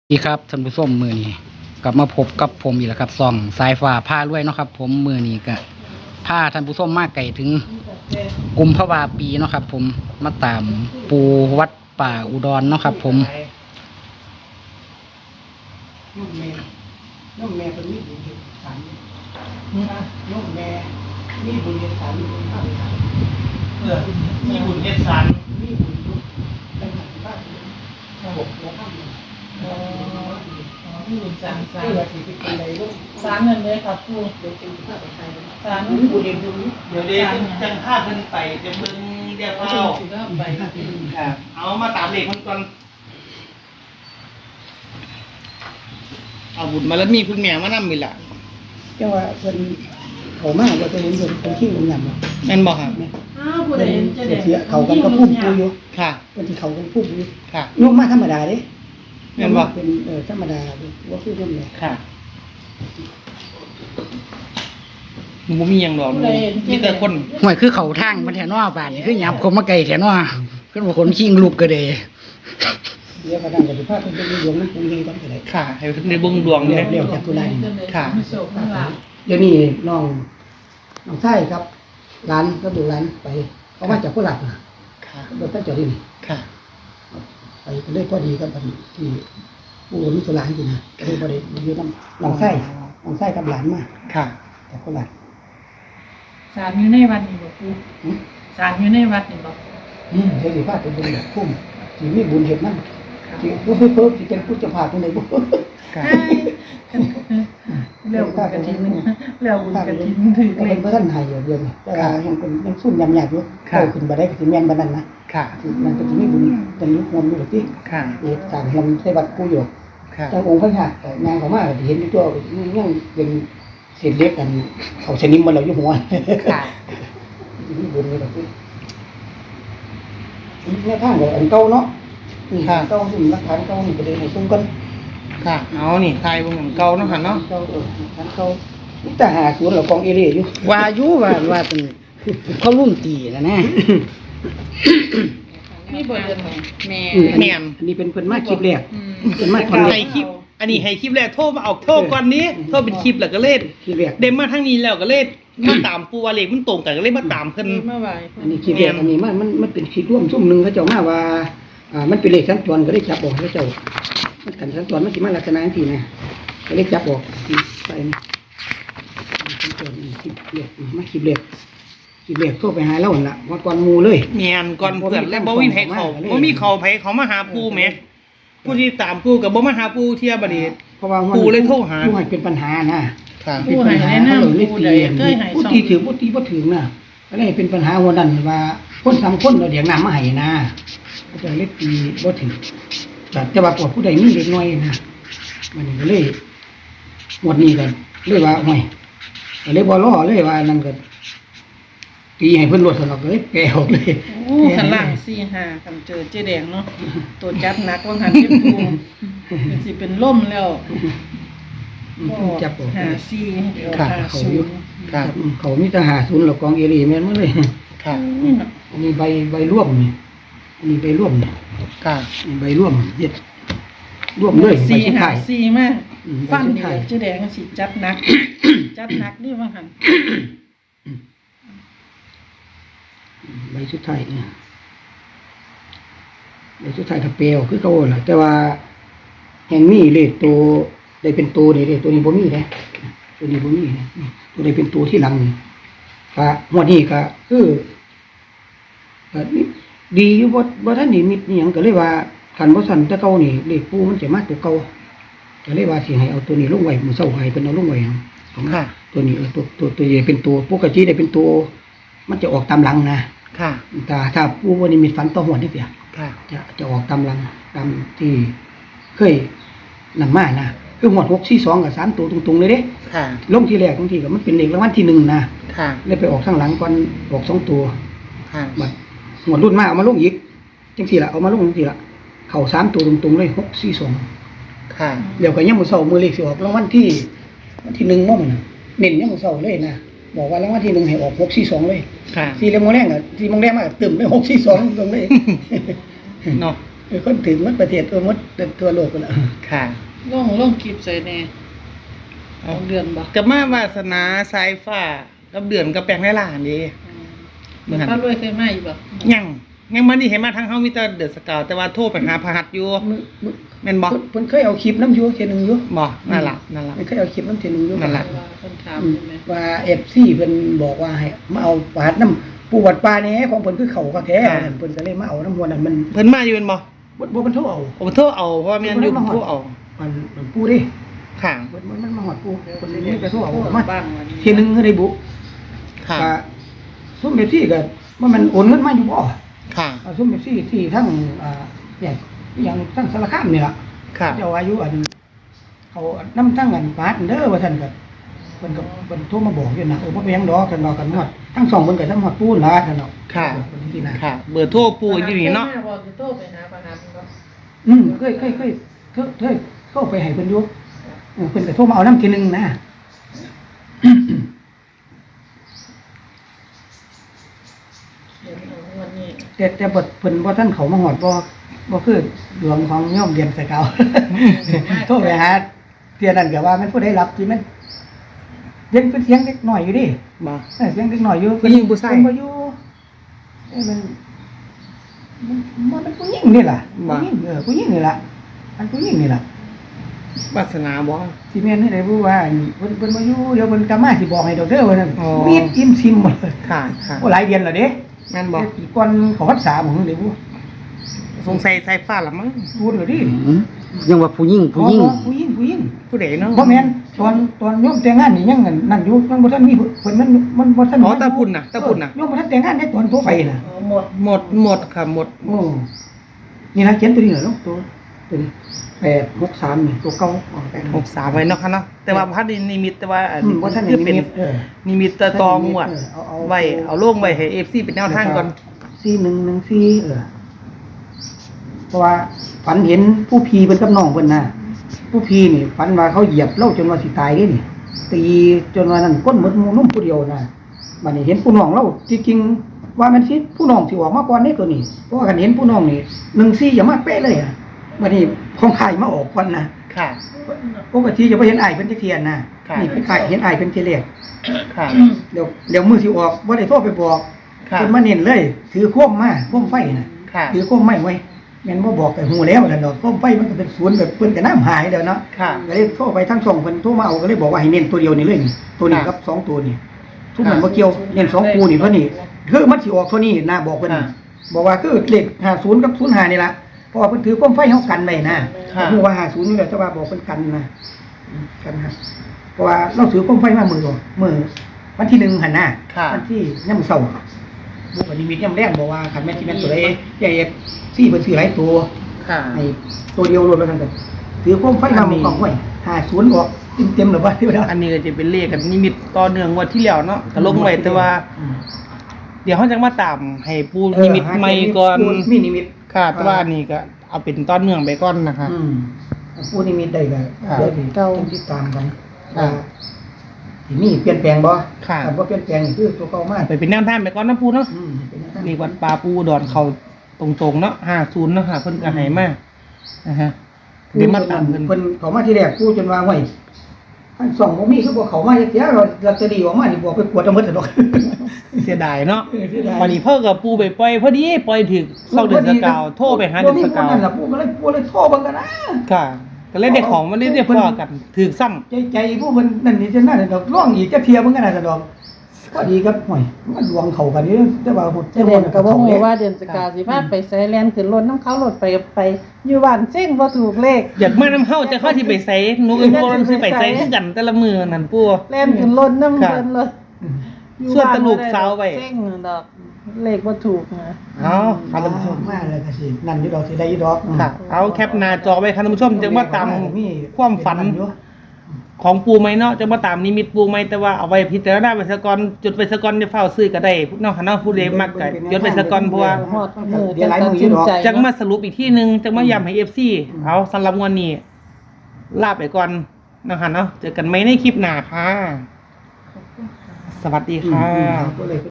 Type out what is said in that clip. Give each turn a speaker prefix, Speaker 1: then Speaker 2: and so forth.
Speaker 1: ดีครับท่านผู้ชมมือนี้กลับมาพบกับผมอีกแล้วครับส่องสายฟ้าผ้าด้วยเนาะครับผมมือนี้ก็ผ้าท่านผู้ชมมากไก่ถึงกุมภาวาปีเนาะครับผมมาตามปูวัดป่าอุดรเนาะครับผม
Speaker 2: น้องแม่เป็นมีบุญเด็ดสันน้องแม่มีบุญเด็ดสัน
Speaker 3: มีบุญเฮ็ดสัน
Speaker 2: มีบุญทุกเป็นหันบ้านบกแล้วข้าม
Speaker 3: มีบุญสันสัน
Speaker 2: เพื่อที่เป็นอะไรลูก
Speaker 3: สารนั่นเลยครับครู
Speaker 2: เดี๋ยวเป็นข้าไปไทย
Speaker 3: สาร
Speaker 2: มีบุญเด็ดบุญ
Speaker 3: เดี๋ยวเดี๋ยวจังพาเพิ่นไปเดี๋ยวเพิ่นเดี๋ยว
Speaker 2: เอา
Speaker 3: เอา
Speaker 2: สิก็ไป
Speaker 3: เอามาตามเลขมันก่อนเอาบุญมาแล้วมีคุณแม่มานำมีล่ะ
Speaker 2: เจ้าว่าเป็นเขามากว่าจะเห็นเป็นขี้งงามเนาะ
Speaker 3: แม่นบ่ครับ
Speaker 4: อ้าวผู้ใดเห็นจะได้
Speaker 2: เสียเขากันก็พุ่มปูอยู่
Speaker 3: ค่ะ
Speaker 2: วันที่เขากันพุ่มอยู่
Speaker 3: ค่ะ
Speaker 2: ยกมาธรรมดาเด้
Speaker 3: แม่นบ่
Speaker 2: เป็นธรรมดาว่าคือคนเนี่ย
Speaker 3: ค่ะมันบ่มีหยังดอกมีแต่คน
Speaker 1: ห่วยคือเขาทางมันแถวนอบ้านนี่คือหยับคมมาไก่แถวนอขึ้นมาคนชิงลูกกระเดย
Speaker 2: เดี๋ยวกระดังกับภาพเป็นดวงนั้นปูนี่ต้องไปไหน
Speaker 3: ค่ะให้เพิ่นได้เบิ่งดวง
Speaker 2: เรี
Speaker 3: เด้
Speaker 2: ยวจากตุลานี่
Speaker 3: ค่ะ
Speaker 4: โศกทั้งหลาย
Speaker 2: เดี๋ยวนี้น้องไส้ครับร้านก็ดูร้านไปเขามาจากโคราชนะ
Speaker 3: ค่ะ
Speaker 2: โดยตั้งใจที่นี่
Speaker 3: ค่ะ
Speaker 2: ไปก็เลยพอดีกับบัดที่ปูมิตรร้านจริงนะก็เลยพอดีอยู่น้องไส้กับหลานมา
Speaker 3: ค่ะ
Speaker 2: จากโคราช
Speaker 4: สารอยู่ในวัดนี่บ่ครูสารอยู่ในวัดนี่บ่
Speaker 2: เดี๋ยวสิพาเป็นบุญแบบคุ้มที่มีบุญเห็นนั่นที่เพิ่มที่เป็นผู้จะพาตรงไหนบุญ
Speaker 3: ค่ะ
Speaker 4: เร็วบุญกฐินเร็วบุญกฐินถือ
Speaker 2: ก็
Speaker 4: เล
Speaker 2: เป็
Speaker 4: ข
Speaker 2: นพระท่านไทยอยู่เดือนนี้แต่ยังซุ่มยำหยาบอยู่โตขึ้นมาได้ก็จะแม่นบ้านนั้นนะ
Speaker 3: ค่ะ
Speaker 2: มันก็จะมีบุญเป็นยุคงมอยู่ที่
Speaker 3: ค่ะ
Speaker 2: ต่างงมใส่บัตรกูอยู่
Speaker 3: ค่ะ
Speaker 2: เจ้าองค์พระญาติงานเขามากเห็นตัวยังเป็นเศษเล็กกันเขาสนิมมันเราอยู่หัว
Speaker 3: ค่ะ
Speaker 2: มีบุญเลยแบบนี้แม่ข้างเลยอันเก่าเนาะเก่าซึ่งรักฐานเก่านี่ก็เลยให้ซุ้มกัน
Speaker 3: ค่ะ เอานี่ทายเบิ่งเหมือนเก่าเนาะค่ะเนาะ
Speaker 2: เก่าฐานเก่านี่แต่หาศูนย์เรากองเอเรียอยู่
Speaker 1: วาอยุว่าเป็นเขารุ่มตีนะนะ
Speaker 4: มีบ่เดือนแม่
Speaker 3: แม่น
Speaker 2: อันนี้เป็นมาคลิปแรก เป็นมา
Speaker 3: ให้คลิป อันนี้ให้คลิปแรกโทรมาออกโทรก่อนนี้โทรเป็นคลิปแล้วก็เล่น
Speaker 2: คลิปแรก
Speaker 3: เดมมาทางนี้แล้วก็เล่นมาตามปูว่าเลขมันตรงกันก็เลยมาตามเพิ่น
Speaker 4: เมื่อวาน
Speaker 2: อันนี้คลิปแรกอันนี้มันเป็นคลิปร่วมซุ่มหนึ่งเขาเจ้ามาว่ามันเป็นเลขสัญจรก็ได้จับออกเขาเจ้ามันกันสัญจรมันสิมาลักษณะที่นะก็ได้จับออกไปสัญจรคลิปแรกมาคลิปแรกโทรไปหาเราละว่าก่อนมูเลย
Speaker 3: แม่นก่อนเพื่อนแล้วบ่มีไผเขาบ่มีเขาไผเขามาหาปูแหมผู้ที่ตามปูก็บ่มาหาปูเที่ยบัดนี้
Speaker 2: เพราะว่า
Speaker 3: ปูเลยโทรหา
Speaker 2: ผู้ให้เป็นปัญหานะ
Speaker 3: ค่ะ
Speaker 4: ผู้ให้แนะนำผู้ใดเคยให้
Speaker 2: ผู้
Speaker 4: สอง
Speaker 2: ที่ถือผู้ที่บ่ถือน่ะก็เลยเป็นปัญหาวันนั้นว่าคนสามคนเราเดี๋ยวน้ำมาให้นะก็จะเล็กตีบ่ถือแต่ว่าพวกผู้ใดมีเด็กน้อยนะมันก็เลยหมดนี้กันเลยว่าห่วยก็เลยบ่รอเลยว่านั่นก็ตีให้เพิ่นลดสนอกเลยแปลออกเลย
Speaker 4: โอ้ข้างล่าง4-5คันเจอเจ๊แดงเนาะตัวจับหนักว่าหันเจ็บปูมันสิเป็นล่มแล้ว
Speaker 2: จับออก
Speaker 4: 54เดี๋ยว
Speaker 3: ค่ะ
Speaker 2: เขาอยู่
Speaker 4: 50
Speaker 3: ค่ะ
Speaker 2: เขามีแต่50แล้วกองเอรีแม่นหมดเลย
Speaker 3: ค่ะ
Speaker 2: อันนี้ใบร่วมนี่อันนี้ใบร่วมนี่
Speaker 3: ค่ะ
Speaker 2: ใบร่วมเย็ดร่วมเลยใบสุดท้าย
Speaker 4: 4-5-4มาก
Speaker 2: ใบ
Speaker 4: ฟัน
Speaker 2: สุด
Speaker 4: นี่
Speaker 2: ท้าย
Speaker 4: เจ๊แดงสิจับหนัก จับหนักนี่ว่าหัน
Speaker 2: ใบสุดท้ายเนี่ยใบสุดท้ายถ้าเปลวคือเขาแหละแต่ว่าแห่งนี้เลขตัวได้เป็นตัวนี่เลขตัวนี้บ่มีนะตัวนี้บ่มีนะตัวได้เป็นตัวที่หลังนี่ก็หัวดนี้ก็คือก็ดีอยู่บ่ทันนี่มิดนี่หยังก็เลยว่าคันบ่สั่นแต่เก่านี่เลขปูมันจะมาตัวเก่าก็เลยว่าสิให้เอาตัวนี้ลงไว้มื้อเช้าให้เพิ่นเอาลงไว้ของ
Speaker 3: ค่ะ
Speaker 2: ตัวนี้ตัวใหญ่เป็นตัวปกติได้เป็นตัวมันจะออกตามหลังนะ
Speaker 3: ค่ะ
Speaker 2: ถ้าปูวันนี้มีฝันต่อหัวนี่เปีย
Speaker 3: ค่ะ
Speaker 2: จะออกตามหลังตามที่เคยนำมานะคือหมวด642กับ3ตัวตรงๆเลยเด้
Speaker 3: ค่ะ
Speaker 2: ลงที่แรกบางทีก็มันเป็นเลขรางวัลที่1นะ
Speaker 3: ค่ะ
Speaker 2: เลยไปออกข้างหลังก่อนออก2ตัว
Speaker 3: ค่ะ
Speaker 2: บัดหมวดรุ่นมาเอามาลงอีกจังซี่ล่ะเอามาลงจังซี่ล่ะเข้า3ตัวตรงๆเลย642
Speaker 3: ค่ะ
Speaker 2: เดี๋ยวก็ยามมื้อเช้ามื้อเลขสิออกรางวัลที่1มื้อน่ะเน้นยามมื้อเช้าเลยนะบอกว่ารางวัลที่1ให้ออก642เลย
Speaker 3: ค่ะ
Speaker 2: 4โมงแรงอ่ะ4โมงแรงมาตึมได้642ตรงเลย
Speaker 3: เนาะ
Speaker 2: คนถึงหมดประเทศหมดทั่วโลกกันแล้ว
Speaker 3: ค่ะ
Speaker 4: ลงคลิปใส่แน่เอาเดือนบ่
Speaker 3: กับมาวาสนาสายฟ้ากับเดือนกับแปลงในล่างนี่
Speaker 4: เหมือนพระรวยเคยมาอยู่บ่
Speaker 3: ยังมันนี่เห็นมาทางเฮามีแต่เดือดสกาวแต่ว่าโทรไปหาพระหัตถ์อยู่
Speaker 2: มื้อ
Speaker 3: แม่นบ่
Speaker 2: เพิ่นเคยเอาคลิปน้ำอยู่เทียหนึงอยู่
Speaker 3: บ่นั่นล่ะ
Speaker 2: เพิ่นเคยเอาคลิปน้ำเทียหนึงอยู่
Speaker 3: นั่นล่ะ
Speaker 4: ว่าเพิ่นถาม
Speaker 2: อืม
Speaker 4: ใช่ไหม
Speaker 2: ว่า FC เพิ่นบอกว่าให้มาเอาปาดน้ำปูวัดป่าแหน่ของเพิ่นคือเขาก็แท้นั่นเพิ่นก็เลยมาเอาน้ำมวลนั้นมัน
Speaker 3: เพิ่นมาอยู่แม่นบ่
Speaker 2: บ่มันโทรเอา
Speaker 3: ผมโทรเอาเพราะว่าแม่นอยู่ผมโทรเอา
Speaker 2: มันปูดิ
Speaker 3: ค่ะ
Speaker 2: มันมาหอดปูเพิ่นนี่ไปโทรเอา
Speaker 4: พูด
Speaker 2: มา
Speaker 4: บ้างวันนี้
Speaker 2: ทีหนึงก็ได้บุ
Speaker 3: ค่ะ
Speaker 2: ก็ซุ่มเอฟซีก็มันโอนเงินมาอยู่บ่
Speaker 3: ค่ะ
Speaker 2: ซุ่มเอฟซีที่ทั้งเนี่ยอย่างทั้งสารคามนี่ล่ะ
Speaker 3: ค่ะ
Speaker 2: เจ้าอายุเขานำทั้งปาดเด้อว่าซั่นก็เพิ่นโทรมาบอกอยู่นะบ่เป็นหยังดอกกันดอกกันฮอดทั้งสองเพิ่นก็ทั้งฮอดปูนล่ะซั่นเนาะ
Speaker 3: ค่ะ
Speaker 2: เพิ่นที่นะ
Speaker 3: ค่ะ เบอร์โทรปู่อยู่นี่เนาะ
Speaker 4: คยมบอกสิโทรไปหาประหารบ่
Speaker 2: เคยโทรไปให้เพิ่นอยู่เพิ่นก็โทรมาเอานำทีหนึงนะ
Speaker 4: เดี๋ยวเอาวันนี้
Speaker 2: แต่บทเพิ่นบ่ทันเขามาฮอดบ่คือดวงของโยมเรียนใส่เขา โทรไปหาเที่ยนั้นก็ว่ามันผู้ใดรับที่มันยังเป็นเสียงเด็กน้อยอยู่ดิ
Speaker 3: บ่
Speaker 2: เสียงเด็กน้อยอยู่
Speaker 3: ผู้หญิงผู้ชาย
Speaker 2: เพิ่นบ่อยู่มันผู้หญิงนี่ล่ะ
Speaker 3: บ่
Speaker 2: ผู้หญิงนี่ล่ะอันผู้หญิงนี่ล่ะ
Speaker 3: วาสนาบ่
Speaker 2: สิแม่นให้ได้รู้ว่าเพิ่นบ่อยู่เดี๋ยวเพิ่นกลับมาสิบอกให้ดอกเด้อว่านั่น
Speaker 3: อ๋อ
Speaker 2: มีดอิ่มซิมหมดเลย
Speaker 3: ค่ะ ค่ะ
Speaker 2: โอ้หลายเดือนแล้วเด้
Speaker 3: แม่นบ่
Speaker 2: ปีก่อนเขาพรรษาบ่ฮู้เด้บ่
Speaker 3: สงสัยสายฟ้าละมั้ง
Speaker 2: พูดเลยดิ
Speaker 1: ยังว่าผู้หญิง
Speaker 2: ผู้หญิง
Speaker 3: ผู้ใดเนาะ
Speaker 2: บ่แม่นตอนโยมแต่งงานนี่ยังนั่นอยู่ยังบ่ทันมีเพิ่นมันบ่ทัน
Speaker 3: อ๋อตาพุ่นน่ะตาพุ่นน่ะ
Speaker 2: โยมบ่ทันแต่งงานได้ตอนโทรไปน่ะ
Speaker 4: เอาหมด
Speaker 3: หมดค่ะหมด
Speaker 2: โอ้นี่นะเขียนตัวนี้เหรอลูกตัวนี้863นี่ตัวเก่าอ๋อ863
Speaker 3: 63ไว้เนาะค่ะเนาะแต่ว่าพัดนิมิตแต่ว่าอัน
Speaker 2: บ่ทัน
Speaker 3: คือ
Speaker 2: มี
Speaker 3: เป็น
Speaker 2: มิต
Speaker 3: นิมิตตะตองวด
Speaker 2: เอา
Speaker 3: ไว้เอาลงไว้ให้ FC เป็นแนวทางก่อน
Speaker 2: 4114เพราะว่าฝันเห็นผู้พีเพิ่นกับน้องเพิ่นน่ะผู้พีนี่ฝันว่าเขาเหยียบเล่าจนว่าสิตายเด้นี่ตีจนว่านั่นก้นหมดหมู่นุ่มผู้เดียวน่ะบัดนี้เห็นผู้น้องเราจริงๆว่ามันสิผู้น้องสิออกมาก่อนนี่ตัวนี้เพราะว่าคันเห็นผู้น้องนี่14อย่ามาเป๊ะเลยอ่ะบัดนี้ของข่ายมาออกก่อนนะ
Speaker 3: ค่ะ
Speaker 2: ปกติจะบ่เห็นอ้ายเพิ่นจักเที่ยนะ
Speaker 3: ค่ะ
Speaker 2: นี่เป็นข่ายเห็นอ้ายเพิ่นทีแรก
Speaker 3: ค่ะ
Speaker 2: เดี๋ยวมื้อสิออกบ่ได้โทรไปบอก
Speaker 3: ค่ะ
Speaker 2: เพิ่นมาเน้นเลย ถือโคมมาโคมไฟน่ะ
Speaker 3: ค่ะ
Speaker 2: ถือโคมไม้ไว้แม่นบ่บอกแต่ฮู้แล้วนั่นดอกโคมไฟมันก็เป็นศูนย์แบบเพิ่นก็น้ำหายแล้วเนาะ
Speaker 3: ค่ะ
Speaker 2: ก็เลยโทรไปทั้งสองเพิ่นโทรมาเอาก็เลยบอกว่าให้เน้นตัวเดียวนี่เลยนี่ตัวนี้
Speaker 3: ค่ะ
Speaker 2: กับสองตัวนี่ทุกมันบ่เกี่ยวเน้นสองคู่นี่เพิ่นนี่คือมันสิออกเท่านี้นะบอกเพิ่น
Speaker 3: ค่ะ
Speaker 2: บอกว่าคือเลข50กับ05นี่ล่ะเพราะว่าเพิ่นถือโคมไฟเฮากันไว้นะ
Speaker 3: ค่ะ
Speaker 2: ฮู้ว่า50นี่แหละแต่ว่าบอกเพิ่นกันนะกันฮะเพราะว่าเราถือโคมไฟมามื้อวันที่1หั่นน่ะ
Speaker 3: ค่ะ
Speaker 2: วันที่ยามเช้าบุกนิมิตยามแรงบอกว่าคันแม่นสิแม่นตัวใดใหญ่ซี่เพิ่นซื้อหลายตัว
Speaker 3: ค่ะ
Speaker 2: ให้ตัวเดียวรวมแล้วกันกันถือโคมไฟมาหมู่กองไว้50ออกเต็มๆหรือว่าที่ว่า
Speaker 3: อันนี้ก็จะเป็นเลขกันนิมิตต่อเนื่องงวดที่แล้วเนาะก็ลงไว้แต่ว่า เดี๋ยวเขาจะมาตามให้ปูนิมิตใหม่ก่อน
Speaker 2: มีนิมิต
Speaker 3: ค่ะแต่ว่านี่ก็เอาเป็นต้นเนื่องไปก่อนนะคะ
Speaker 2: ปูนิมิตได้ก็
Speaker 3: ครับ
Speaker 2: เดี๋ยวสิต้องติดตามกัน
Speaker 3: ครับ
Speaker 2: ที่มีเปลี่ยนแปลงบ่
Speaker 3: ค่ะ
Speaker 2: ถ้าบ่เปลี่ยนแปลงนี่คือตัวเก่ามาก
Speaker 3: ไปเป็นแนวทางไปก่อนนะปูเนาะ
Speaker 2: เป็นอย่างนั้น
Speaker 3: นี่วัดป่าปูดอนเขาตรงๆเนาะ50เนาะค่ะเพิ่นก็ให้มานะฮะเดี๋ยวมาตามเพิ่น
Speaker 2: เพิ่นเขามาที่แรกปูจนว่าไว้ท่านส่องบ่มีคือบ่เขามาเสียเราลอตเตอรี่ออกมานี่บ่ไปกวดเอาหมดซะดอก
Speaker 3: เสียดายเนาะ
Speaker 2: เสียดาย
Speaker 3: วันนี้เพิ่นกับปูไปปล่อยพอดีปล่อยถึกเศร้าเดือนสกาวโทรไปหาเดือนสกาว
Speaker 2: บ่มีคนนั่นล่ะปูก็เลยโทรเบิ่งกันนะ
Speaker 3: ค่ะ ก็เล่นได้ของมันเล่นได้พอกันถึกซ้ำ
Speaker 2: ใจผู้เพิ่นนั่นนี่จังนั้นดอกร้องอีกจะเทียเบิ่งกันน่ะซะดอกพอดีครับห่วยมันดวงเข้ากันนี่แต่ว่าหุ่น
Speaker 4: เจแดงก็บ่ฮู้ว่าเดือนสกาวสิพาไปไสแลนขึ้นรถน้ำเขารถไปอยู่บ้านเซ็งบ่ถูกเลข
Speaker 3: อยากมาน้ำเฮาจะเข้าที่ไปไสหนูกับพวกนั้นสิไปไสคือกันแต่ละมือนั่นปู่
Speaker 4: แล่นขึ้นรถน้ำ
Speaker 3: ค่ะ
Speaker 4: เพิ่นรถ
Speaker 3: ส่วนตะลูกสาวไว้
Speaker 4: เซ็งดอกเลขบ่ถูกนะ
Speaker 3: เอาครับท่านผู้ชม
Speaker 2: มาแล้วก็สินั่นอยู่ดอกสิได้อยู่ดอก
Speaker 3: ค่ะ เอาแคปหน้าจอไว้ครับท่านผู้ชมจะมาตามความฝันของปูไหมเนาะจะมาตามนิมิตปูไหมแต่ว่าเอาไว้พิจารณาไปซะก่อนจุดไปซะก่อนจะเฝ้าซื้อก็ได้เนาะค่ะเนาะผู้ใดมักก็จดไปซะก่อนเพราะว่า
Speaker 4: ฮอดมือ
Speaker 2: เดี๋ยวหลายมืออยู่ดอก
Speaker 4: ใจ
Speaker 3: จังมาสรุปอีกที่หนึงจังมาย้ำให้ FC เอาสำหรับวันนี้ลาไปก่อนนะคะเนาะเจอกันไหมในคลิปหน้าค่ะ สวัสดีค่ะ
Speaker 2: ก็เลย